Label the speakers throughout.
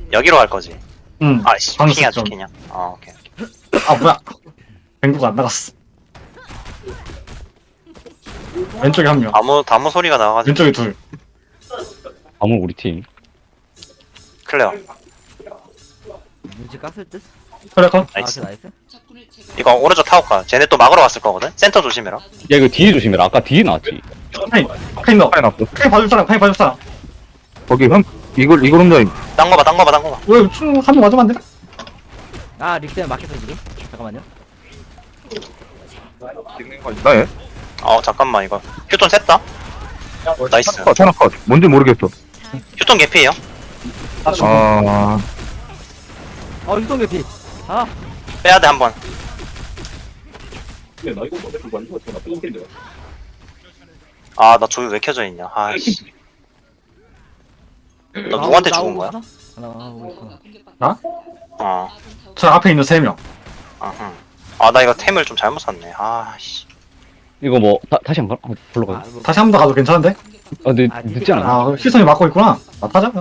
Speaker 1: 여기로 갈 거지.
Speaker 2: 응.
Speaker 1: 아씨,
Speaker 2: 방금
Speaker 1: 핑이 안
Speaker 2: 좀.
Speaker 1: 찍히냐? 오케이.
Speaker 2: 아 뭐야? 뱅구가 안 나갔어. 왼쪽에 한 명.
Speaker 1: 다무 소리가 나가지고.
Speaker 2: 왼쪽에 둘.
Speaker 3: 아무 우리 팀.
Speaker 1: 클레어.
Speaker 4: 눈치 깠을 듯?
Speaker 2: 그래 컷.
Speaker 4: 아,
Speaker 1: 나이스.
Speaker 4: 그 나이스?
Speaker 1: 이거 오른쪽 타고 가. 쟤네 또 막으러 왔을 거거든? 센터 조심해라.
Speaker 3: 야 이거 뒤에 조심해라. 아까 뒤에 나왔지.
Speaker 2: 카인 넣어.
Speaker 5: 카인 앞서.
Speaker 2: 카인 봐줄 사람. 카인 봐줄 사람.
Speaker 5: 거기 이걸 혼자
Speaker 1: 딴 거 봐, 딴 거 봐, 딴 거 봐.
Speaker 2: 왜 한명 맞으면 안 돼?
Speaker 4: 아, 릭 때문에 막혔어, 지금. 잠깐만요.
Speaker 5: 찍는 거 있나 얘?
Speaker 1: 잠깐만, 이거. 휴톤 셌다? 나이스.
Speaker 5: 하나 컷. 뭔지 모르겠어.
Speaker 1: 휴톤 개피에요?
Speaker 5: 아,
Speaker 4: 유동 개피. 아,
Speaker 1: 빼야돼, 한 번. 나 조이 왜 켜져 있냐? 아이씨. 너 누구한테 죽은 거야?
Speaker 4: 나오고 있구나.
Speaker 1: 어.
Speaker 2: 저 앞에 있는 3명.
Speaker 1: 아흠. 나 이거 템을 좀 잘못 샀네. 아씨.
Speaker 3: 이거 뭐 다시 한 번? 불러 가.
Speaker 4: 이거
Speaker 2: 다시 한 번 더 가도 괜찮은데?
Speaker 3: 근데
Speaker 4: 아,
Speaker 3: 늦지 않아?
Speaker 2: 아 희선이 막고 있구나. 나 타자.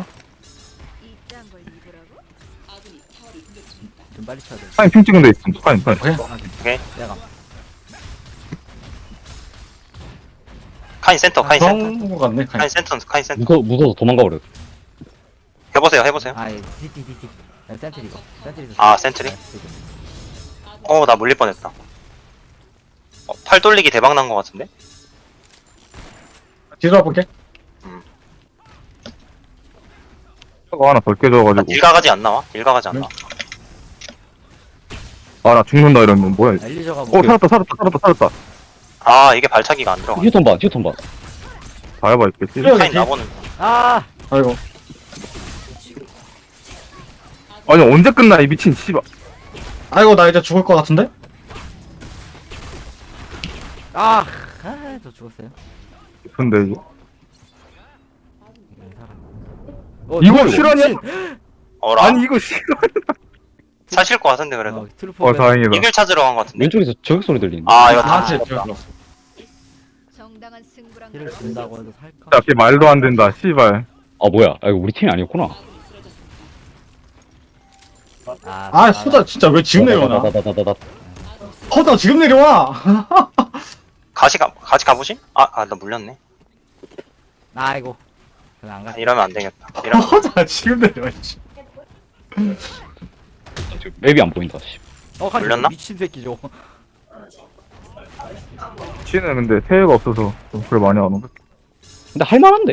Speaker 4: 좀 빨리 쳐야 돼.
Speaker 5: 카인 핑 찍은 데 있음. 카인.
Speaker 4: 내가.
Speaker 1: 카인 센터, 카인 센터.
Speaker 2: 그런 거 같네. 카인.
Speaker 1: 카인 센터.
Speaker 3: 무서워서 도망가 버려.
Speaker 1: 해보세요.
Speaker 4: 아이, 디디디디. 센트리 이거. 센트리.
Speaker 1: 센트리? 나 물릴 뻔했다. 팔 돌리기 대박 난 거 같은데?
Speaker 2: 뒤로 와볼게.
Speaker 5: 가 하나 덜 깨져가지고.
Speaker 1: 일가가지 안 나와? 일가가지 안 나와.
Speaker 5: 아, 나 죽는다 이러면 뭐야. 이거.
Speaker 4: 엘리저가 뭐.
Speaker 5: 살았다.
Speaker 1: 이게 발차기가 안 들어가.
Speaker 3: 휴톤 봐.
Speaker 5: 다 해봐 있겠지.
Speaker 2: 그래.
Speaker 1: 카인 나보는.
Speaker 4: 아!
Speaker 2: 아이고.
Speaker 5: 아니 언제 끝나 이 미친 씨발.
Speaker 2: 아이고 나 이제 죽을 것 같은데?
Speaker 4: 저 죽었어요.
Speaker 5: 근데 이거
Speaker 4: 어,
Speaker 5: 이거
Speaker 4: 미친.
Speaker 5: 실화냐?
Speaker 1: 어라.
Speaker 5: 아니 이거 싫어.
Speaker 1: 사실 것 같은데 그래도.
Speaker 4: 트루퍼.
Speaker 5: 다행이다.
Speaker 1: 이길 찾으러 간 것 같은데.
Speaker 3: 왼쪽에서 저격 소리 들리네.
Speaker 1: 이거
Speaker 2: 아
Speaker 1: 다.
Speaker 2: 제 들었어.
Speaker 6: 정당한 승부랑
Speaker 4: 힐을 준다고 해도 살까?
Speaker 5: 야, 걔 말도 안 된다. 씨발.
Speaker 3: 뭐야? 이거 우리 팀이 아니었구나.
Speaker 2: 아 호다 진짜 왜 지금 내려오나?
Speaker 3: 다다다다다다.
Speaker 2: 호다 지금 내려와.
Speaker 1: 같이 가보심? 나 물렸네.
Speaker 4: 아이고. 그냥 안 가.
Speaker 1: 이러면 안 되겠다. 이러면.
Speaker 2: 호다 지금 내려와. 씨.
Speaker 3: 지금 맵이 안 보인다. 씨.
Speaker 4: 가지
Speaker 1: 물렸나?
Speaker 4: 미친 새끼죠.
Speaker 5: 치는 근데 새해가 없어서 좀 그래 많이 안 오고.
Speaker 3: 근데 할만한데?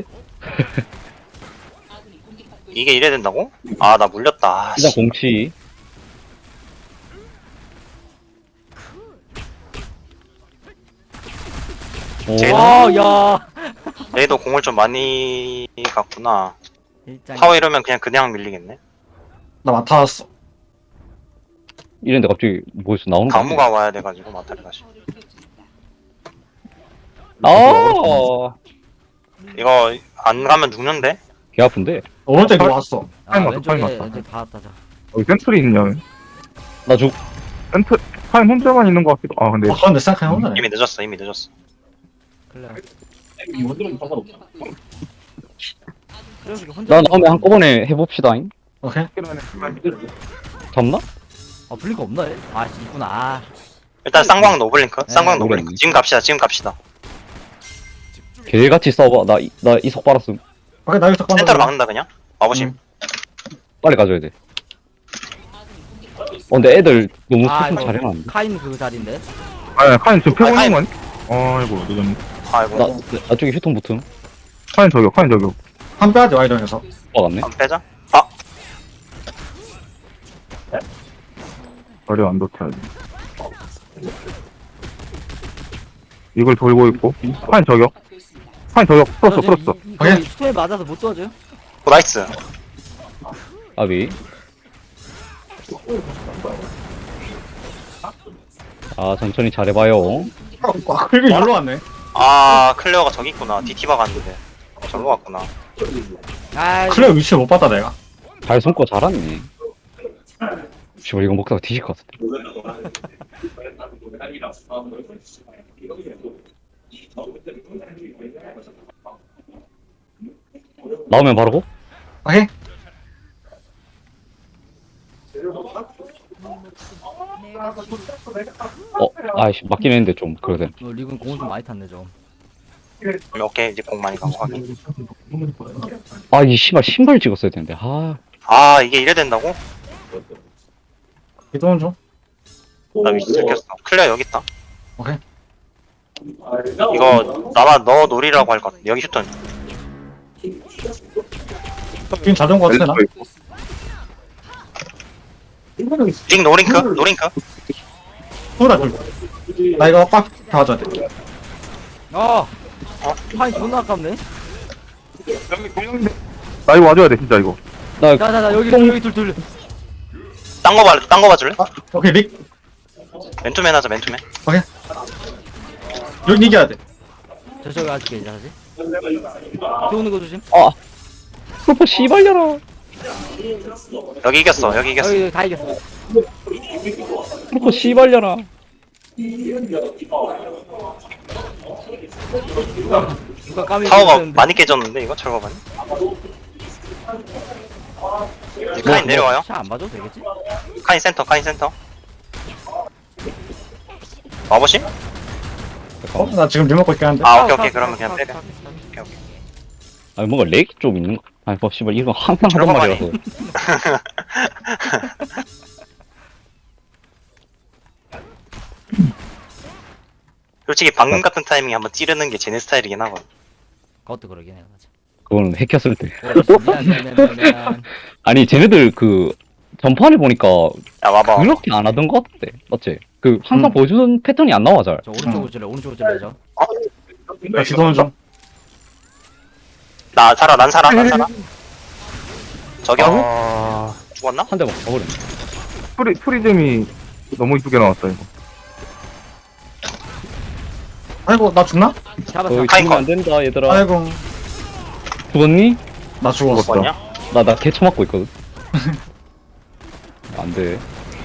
Speaker 1: 이게 이래야 된다고? 나 물렸다.
Speaker 3: 일단 공치. 오.
Speaker 1: 쟤는-
Speaker 4: 야.
Speaker 1: 얘도 공을 좀 많이 갔구나.
Speaker 4: 일장.
Speaker 1: 파워 이러면 그냥 밀리겠네.
Speaker 2: 나 맡아왔어.
Speaker 3: 이랬는데 갑자기 뭐였어 나오는 거
Speaker 1: 다무가 와야 돼가지고 마타리 다시. 이거 안 가면 죽는데?
Speaker 3: 개 아픈데?
Speaker 2: 오른쪽에 들어왔어.
Speaker 5: 카인
Speaker 4: 왼쪽에
Speaker 5: 맞다.
Speaker 4: 왼쪽 다 왔다. 자.
Speaker 5: 여기 센트리 있냐?
Speaker 3: 나 죽.
Speaker 5: 카인 혼자만 있는 것 같기도. 아 근데
Speaker 2: 그런데 생각해 보자.
Speaker 1: 이미 늦었어.
Speaker 4: 클레어. 그래서 혼자.
Speaker 3: 나 다음에 한꺼번에 해봅시다잉.
Speaker 2: 오케이.
Speaker 3: 잡나?
Speaker 4: 블링크 없나? 얘? 있구나.
Speaker 1: 일단 쌍광 노블링크.
Speaker 4: 네,
Speaker 1: 쌍광 노블링크.
Speaker 3: 노블링크.
Speaker 1: 지금 갑시다.
Speaker 3: 개같이 싸워봐. 나 이석 빨았음.
Speaker 2: 오케이 나 여기서
Speaker 1: 센터로 막는다 그냥. 와보심.
Speaker 3: 빨리 가져야 돼. 근데 애들 너무 세팅
Speaker 4: 이거
Speaker 3: 잘해놨는데.
Speaker 4: 카인 그 자리인데.
Speaker 5: 아니 카인 지금 펴고
Speaker 1: 카인.
Speaker 5: 있는 거 아니? 아이고 늦었네.
Speaker 1: 아이고.
Speaker 3: 나쪽에 휴통 붙음.
Speaker 5: 카인 저격.
Speaker 2: 한 빼야지 와이전에서.
Speaker 3: 막았네.
Speaker 1: 안 빼자.
Speaker 5: 머리 안 돋혀야지. 이걸 돌고 있고 카인 저격. 풀었어.
Speaker 2: 오케이.
Speaker 4: 스토에 맞아서 못 도와줘요?
Speaker 1: 나이스.
Speaker 3: 아비. 천천히 잘해봐요.
Speaker 2: 그리고 열로 왔네.
Speaker 1: 클레어가 저기 있구나. DT 박았는데. 절로 갔구나.
Speaker 2: 그래 위치 못 봤다 내가.
Speaker 3: 발 손거 잘하네. 씨발 이거 먹다가 뒤질 것 같은데. 나오면 바로 고?
Speaker 2: 오케이.
Speaker 6: 내가
Speaker 3: 아이씨, 맞긴 했는데 좀, 그러든.
Speaker 4: 리그는 공을 좀 많이 탔네 좀.
Speaker 1: 오케이 이제 공 많이 가고 확인.
Speaker 3: 아, 이 씨발, 신발 찍었어야 되는데, 아.
Speaker 1: 아 이게 이래 된다고?
Speaker 2: 이동은 좀.
Speaker 1: 나 위치 들켰어. 클리어 여기 있다.
Speaker 2: 오케이.
Speaker 1: 이거 나만 너 놀이라고 할 것 같아. 여기 휴턴.
Speaker 2: 지금 자전거 같은데 나?
Speaker 1: 링 노링크 노링크.
Speaker 2: 소라 좀. 나 이거 빡 봐줘야 돼.
Speaker 4: 파인 존나 아깝네.
Speaker 5: 나 이거 와줘야 돼 진짜 이거.
Speaker 3: 나,
Speaker 4: 자자자 여기 둘.
Speaker 1: 딴거 봐줄래?
Speaker 2: 아, 오케이 릭.
Speaker 1: 맨투맨 하자 맨투맨.
Speaker 2: 여기 이겨야 돼.
Speaker 4: 저기 아직 괜찮지? 들어오는 거 조심.
Speaker 3: 프로포 씨발려라.
Speaker 1: 여기 이겼어 여기 이겼어.
Speaker 4: 여기 다 이겼어.
Speaker 3: 프로포 씨발려라.
Speaker 4: 누가 까미
Speaker 1: 타워가 많이 깨졌는데 이거 철거반이? 카인 내려와요.
Speaker 4: 샷안 봐도 되겠지?
Speaker 1: 카인 센터 카인 센터. 와보시?
Speaker 2: 나 지금 리모컨 있긴 한데.
Speaker 1: 아 오케이 그러면 그냥 때려. 오케이 오케이.
Speaker 3: 아니, 뭔가 렉이 좀 있는 거. 아니, 뭐, 씨발, 이거 항상 하던
Speaker 1: 철거반이.
Speaker 3: 말이라서.
Speaker 1: 솔직히 방금 같은 타이밍에 한번 찌르는 게 쟤네 스타일이긴 하거든.
Speaker 4: 그것도 그러긴 해요. 맞아.
Speaker 3: 그건 핵혔을 때.
Speaker 4: 미안.
Speaker 3: 아니, 쟤네들 전판에 보니까
Speaker 1: 야 와봐.
Speaker 3: 그렇게 안 하던 것 같대. 맞지? 항상 보여주는 패턴이 안 나와, 잘.
Speaker 4: 저 오른쪽으로 찔러. 오른쪽으로 찔러죠.
Speaker 2: 나 지도는 좀.
Speaker 1: 난 살아. 저기요?
Speaker 5: 아
Speaker 1: 죽었나?
Speaker 3: 한 대만 가버렸네.
Speaker 5: 프리즘이 너무 이쁘게 나왔다 이거.
Speaker 2: 아이고 나 죽나?
Speaker 4: 잡았어.
Speaker 3: 거기
Speaker 1: 카인
Speaker 3: 죽으면
Speaker 1: 컷.
Speaker 3: 안 된다, 얘들아.
Speaker 2: 아이고
Speaker 3: 죽었니?
Speaker 2: 나 죽었어.
Speaker 1: 죽었냐?
Speaker 3: 나 개 처맞고 있거든. 안 돼.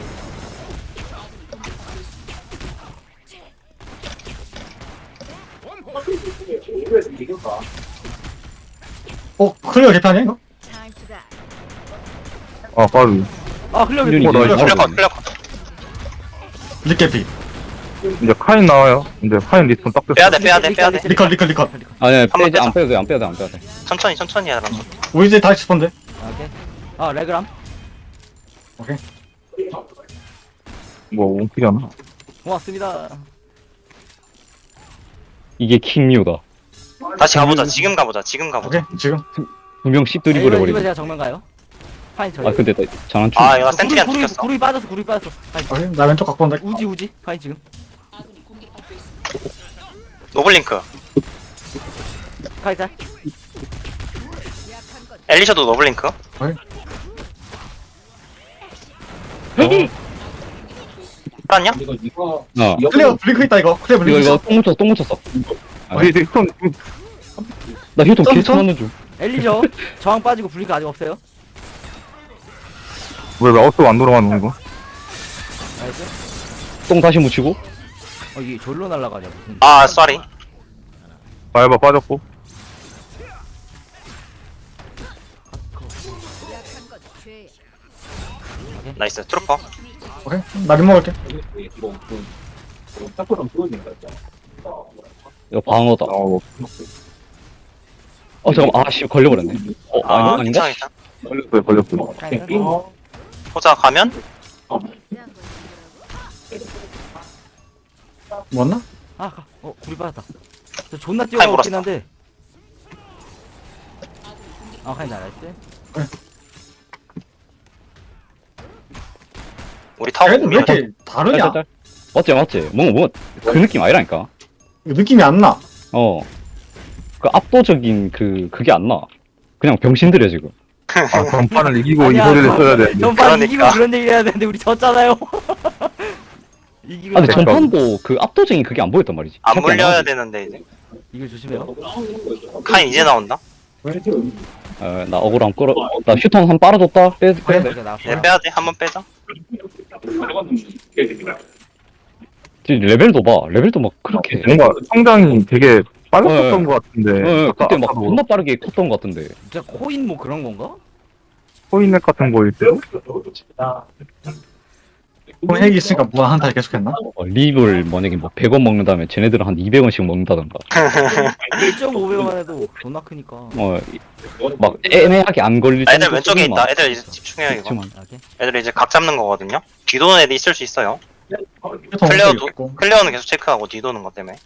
Speaker 2: 클리어 개판이야 이거?
Speaker 6: time to die.
Speaker 5: 아 빠르.
Speaker 4: 흘려
Speaker 3: 윤이
Speaker 5: 나 이거
Speaker 1: 클리어컷.
Speaker 2: 릭 개피.
Speaker 5: 이제 카인 나와요. 이제 카인 리스폰 딱 됐어.
Speaker 1: 빼야돼.
Speaker 2: 리컷.
Speaker 3: 아니야,
Speaker 1: 번
Speaker 3: 안 빼도 돼.
Speaker 1: 천천히 하라.
Speaker 2: 우리 이제 다 스폰데.
Speaker 4: 오케이. 레그람.
Speaker 5: 뭐 원킬이나.
Speaker 4: 고맙습니다.
Speaker 3: 이게 킹류다.
Speaker 1: 다시 가보자. 지금 가보자.
Speaker 2: 오케이 지금.
Speaker 3: 두 명씩 드리블
Speaker 4: 이거
Speaker 3: 해버리네.
Speaker 4: 제가 정면 가요. 파인 저기.
Speaker 3: 아, 근데 나 장난치.
Speaker 1: 아 이거 센트리 안 찍혔어.
Speaker 4: 구름이 빠졌어. 파인.
Speaker 2: 오케이 나 왼쪽 갖고 온다.
Speaker 4: 우지. 파인 지금.
Speaker 1: 노블링크.
Speaker 4: 파인 잘.
Speaker 6: 약한 것
Speaker 1: 엘리셔도 노블링크. 풀었냐?
Speaker 2: 클리어 블링크 있다 이거. 클리어 블링크
Speaker 3: 이거
Speaker 2: 있어.
Speaker 3: 똥 묻혔어.
Speaker 5: 아 이제 손
Speaker 3: 나 휴통
Speaker 2: 점,
Speaker 3: 개
Speaker 2: 점?
Speaker 3: 쳐맞는 중.
Speaker 4: 엘리죠. 저항 빠지고 블링크 아직 없어요.
Speaker 5: 왜 마우스가 안 돌아가는 거?
Speaker 4: 나이스.
Speaker 3: 똥 다시 묻히고.
Speaker 4: 이게 졸로 날아가냐 무슨.
Speaker 1: 아 쏘리.
Speaker 5: 바이바 빠졌고.
Speaker 6: 약한 것 죄.
Speaker 1: 나이스 트루퍼.
Speaker 2: 오케이 나 리모컨 할게.
Speaker 3: 이거 방어다.
Speaker 5: 뭐.
Speaker 3: 잠깐만. 아, 씨, 걸려버렸네. 아닌가?
Speaker 1: 괜찮아.
Speaker 5: 걸렸어요.
Speaker 4: 파인.
Speaker 1: 호자 가면
Speaker 6: 대한 건
Speaker 2: 뭐였나?
Speaker 4: 구리 빠졌다. 저 존나
Speaker 1: 파인
Speaker 4: 뛰어가고
Speaker 1: 물었어.
Speaker 4: 있긴 한데. 파인 잘했지.
Speaker 1: 우리 타워
Speaker 2: 얘들 왜
Speaker 1: 밀어.
Speaker 2: 이렇게 다르냐?
Speaker 3: 맞지. 뭔가 그 느낌 아니라니까.
Speaker 2: 느낌이 안 나.
Speaker 3: 그 압도적인 그게 안 나. 그냥 병신들이야, 지금.
Speaker 5: 아 전판을 이기고 이
Speaker 4: 아니야,
Speaker 5: 소리를 써야 돼.
Speaker 4: 전판
Speaker 1: 그러니까.
Speaker 4: 이기고 그런 얘기 해야 되는데 우리 졌잖아요. 이기고
Speaker 3: 아, 근데
Speaker 4: 졌잖아.
Speaker 3: 전판도 그 압도적인 그게 안 보였단 말이지.
Speaker 1: 안
Speaker 3: 기억이
Speaker 1: 물려야
Speaker 3: 나지.
Speaker 1: 되는데 이제.
Speaker 4: 이거 조심해요.
Speaker 1: 카인 이제 나온다.
Speaker 3: 나 억울 한번 끌어. 나 휴통 한 빨아줬다. 빼.
Speaker 4: 이렇게 나왔어요.
Speaker 1: 이제 빼야돼. 한번 빼자.
Speaker 3: 레벨도 봐. 레벨도 막 그렇게.
Speaker 5: 뭔가 성장이 되게 빨랐었던
Speaker 3: 네.
Speaker 5: 것 같은데.
Speaker 3: 그때 막
Speaker 5: 아까도
Speaker 3: 존나 빠르게 컸던 것 같은데.
Speaker 4: 진짜 코인 뭐 그런 건가?
Speaker 5: 코인넷 같은 거일 때도?
Speaker 2: 핵이 있으니까 무한 한타 계속했나?
Speaker 3: 립을 만약에 뭐 100원 먹는다면 쟤네들은 한 200원씩 먹는다던가.
Speaker 4: 1.5배만 해도 존나 크니까.
Speaker 3: 막 애매하게 안 걸릴
Speaker 1: 아, 애들
Speaker 3: 정도
Speaker 1: 왼쪽에
Speaker 3: 수준만.
Speaker 1: 있다. 애들 이제 집중해요 이거.
Speaker 3: 그치만.
Speaker 4: 오케이.
Speaker 1: 애들 이제 각 잡는 거거든요. 뒤도는 애들 있을 수 있어요.
Speaker 2: 휴톤
Speaker 1: 클레어도
Speaker 2: 있고.
Speaker 1: 클레어는 계속 체크하고 뒤도는 것 때문에.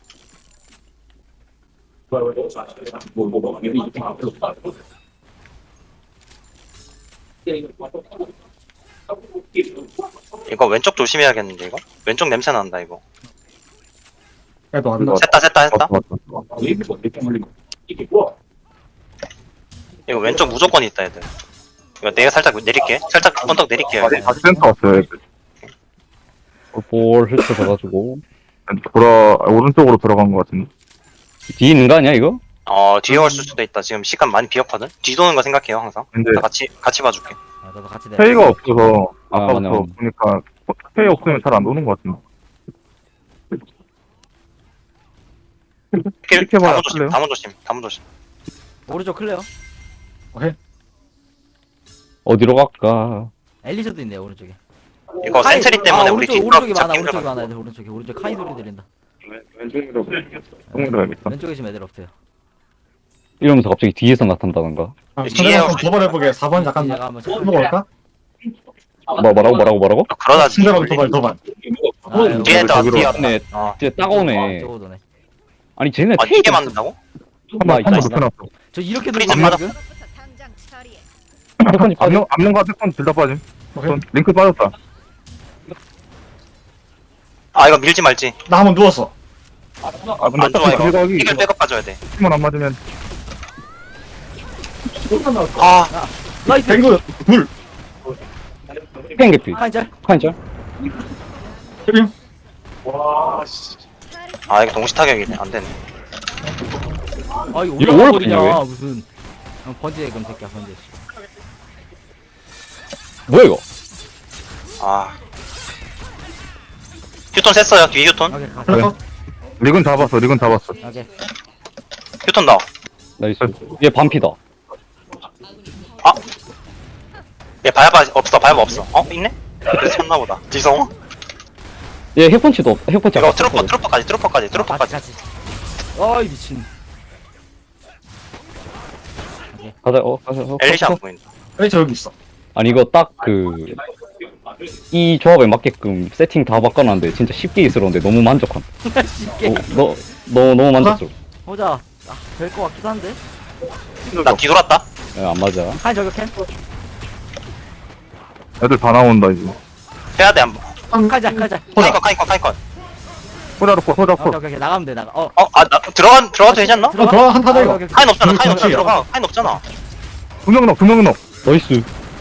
Speaker 1: 이거 왼쪽 조심해야겠는데 이거. 왼쪽 냄새 난다 이거.
Speaker 2: 애도 왔다.
Speaker 1: 셌다.
Speaker 5: 맞다.
Speaker 1: 이거 왼쪽 무조건 있다 애들. 이거 내가 살짝 내릴게. 살짝 언덕 내릴게요. 이거.
Speaker 5: 다시 센터 왔어요. 애들.
Speaker 3: 볼 흩어져가지고.
Speaker 5: 오른쪽으로 들어간 것 같은데.
Speaker 3: 뒤에 있는 거 아니야, 이거?
Speaker 1: 뒤에 올 수도 있다. 지금 시간 많이 비었거든. 뒤도는 거 생각해요 항상.
Speaker 5: 근데
Speaker 1: 나 같이 봐줄게.
Speaker 4: 아, 나도 같이 내.
Speaker 5: 페이가 없어서
Speaker 3: 아,
Speaker 5: 아까부터
Speaker 3: 맞네.
Speaker 5: 보니까 페이 없으면 잘 안 도는 것 같은데. 이렇게 봐야 할래요?
Speaker 1: 다문 조심.
Speaker 4: 오른쪽 클레어.
Speaker 3: 어디로 갈까?
Speaker 4: 엘리셔도 있네 오른쪽에.
Speaker 1: 이거 센트리 때문에 우리
Speaker 4: 오른쪽,
Speaker 1: 뒤
Speaker 4: 오른쪽이 많아.
Speaker 1: 잡기
Speaker 4: 오른쪽이
Speaker 1: 힘들어.
Speaker 4: 많아. 애들 오른쪽에. 오른쪽 카이 소리 들린다.
Speaker 5: 왼쪽으로 가야겠다.
Speaker 4: 왼쪽에 지금 애들 없어요.
Speaker 3: 이러면서 갑자기 뒤에서 나타난다던가.
Speaker 2: 아,
Speaker 1: 뒤에
Speaker 2: 상대방 좀 도발해보게 4번 약간
Speaker 4: 제가 한번
Speaker 2: 먹을까?
Speaker 3: 뭐라고?
Speaker 1: 그러다
Speaker 2: 상대방 도발.
Speaker 1: 뒤에 다
Speaker 5: 저기로
Speaker 1: 뒤에
Speaker 3: 네, 진짜 따가우네.
Speaker 4: 저거 네
Speaker 3: 아니, 쟤네
Speaker 1: 아 이게 맞는다고?
Speaker 5: 한번
Speaker 3: 나이스.
Speaker 5: 높여놨어.
Speaker 4: 저 이렇게
Speaker 1: 프리즈
Speaker 4: 들어가면
Speaker 1: 맞아.
Speaker 4: 지금?
Speaker 6: 부터 당장 처리해.
Speaker 3: 패턴이 빠져.
Speaker 5: 앞면과 패턴 둘 다 빠짐.
Speaker 2: 오케이.
Speaker 5: 링크 빠졌다.
Speaker 1: 아 이거 밀지 말지.
Speaker 2: 나 한번 누웠어.
Speaker 5: 아 근데
Speaker 1: 안 좋아
Speaker 5: 어차피
Speaker 1: 이거.
Speaker 5: 들어가기
Speaker 1: 이걸 백업 가져야 돼.
Speaker 5: 힘만 안 맞으면
Speaker 1: 아
Speaker 4: 나이스.
Speaker 2: 뱅구 둘.
Speaker 3: 팽개피.
Speaker 4: 카이 짤.
Speaker 3: 카인짤?
Speaker 2: 케빈.
Speaker 1: 이거 동시 타격이네. 안 되네.
Speaker 4: 아 이거
Speaker 3: 이거
Speaker 4: 올라가
Speaker 3: 뭘
Speaker 4: 버리냐
Speaker 3: 봤냐, 왜?
Speaker 4: 무슨. 번지의 금 새끼야 번지.
Speaker 3: 뭐야, 이거?
Speaker 1: 휴톤 셌어요. 뒤에 휴톤.
Speaker 4: 오케이 가자.
Speaker 2: 그래서
Speaker 5: 릭은 잡았어.
Speaker 4: 오케이.
Speaker 1: 휴톤 나와.
Speaker 3: 나이스. 얘 반피다.
Speaker 1: 얘 바야바 없어. 바야바 없어. 있네? 그래서 쳤나 보다. 지성.
Speaker 3: 얘 핵펀치도 없, 핵펀치
Speaker 1: 이거
Speaker 3: 아까 썼거든.
Speaker 1: 트로퍼까지.
Speaker 4: 같이. 아이 미친.
Speaker 3: 가자, 가자.
Speaker 1: 엘리시 안 보인다.
Speaker 2: 엘리셔 여기 있어.
Speaker 3: 아니, 이거 딱 이 조합에 맞게끔 세팅 다 바꿔놨는데 진짜 쉽게 있으러운데 너무 만족함.
Speaker 4: 쉽게.
Speaker 3: 너무 만족스러워.
Speaker 4: 보자. 될 것 같기도 한데.
Speaker 1: 나 뒤돌았다.
Speaker 3: 안 맞아.
Speaker 4: 카이 저격해.
Speaker 5: 애들 다 나온다 이제.
Speaker 1: 해야 돼 한번.
Speaker 4: 카이 짤.
Speaker 1: 카이컨.
Speaker 5: 호자 코.
Speaker 4: 오케이 나가면 돼 나가.
Speaker 1: 나 들어가도 되지 않나?
Speaker 2: 들어와 한타다 이거.
Speaker 1: 카인 없잖아.
Speaker 2: 그렇지.
Speaker 1: 들어가. 카인 없잖아.
Speaker 5: 두명 넣어.
Speaker 3: 나이스.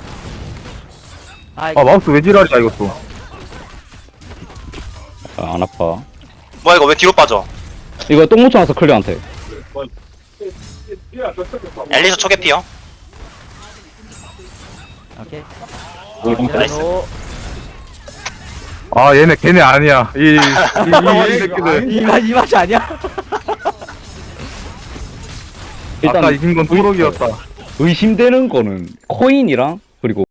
Speaker 4: 아
Speaker 5: 아 마우스 왜 지랄이야 이것도.
Speaker 3: 안 아파.
Speaker 1: 뭐야 이거 왜 뒤로 빠져?
Speaker 3: 이거 똥 묻혀놔서 클리어한테.
Speaker 1: 엘리시 초계 피어.
Speaker 4: 오케이.
Speaker 1: 나이스.
Speaker 5: 아 얘네 걔네 아니야. 이 새끼들.
Speaker 4: 이 맛이 아니야?
Speaker 5: 아까 이긴 건 뚜벅이었다.
Speaker 3: 의심되는 거는 코인이랑 그리고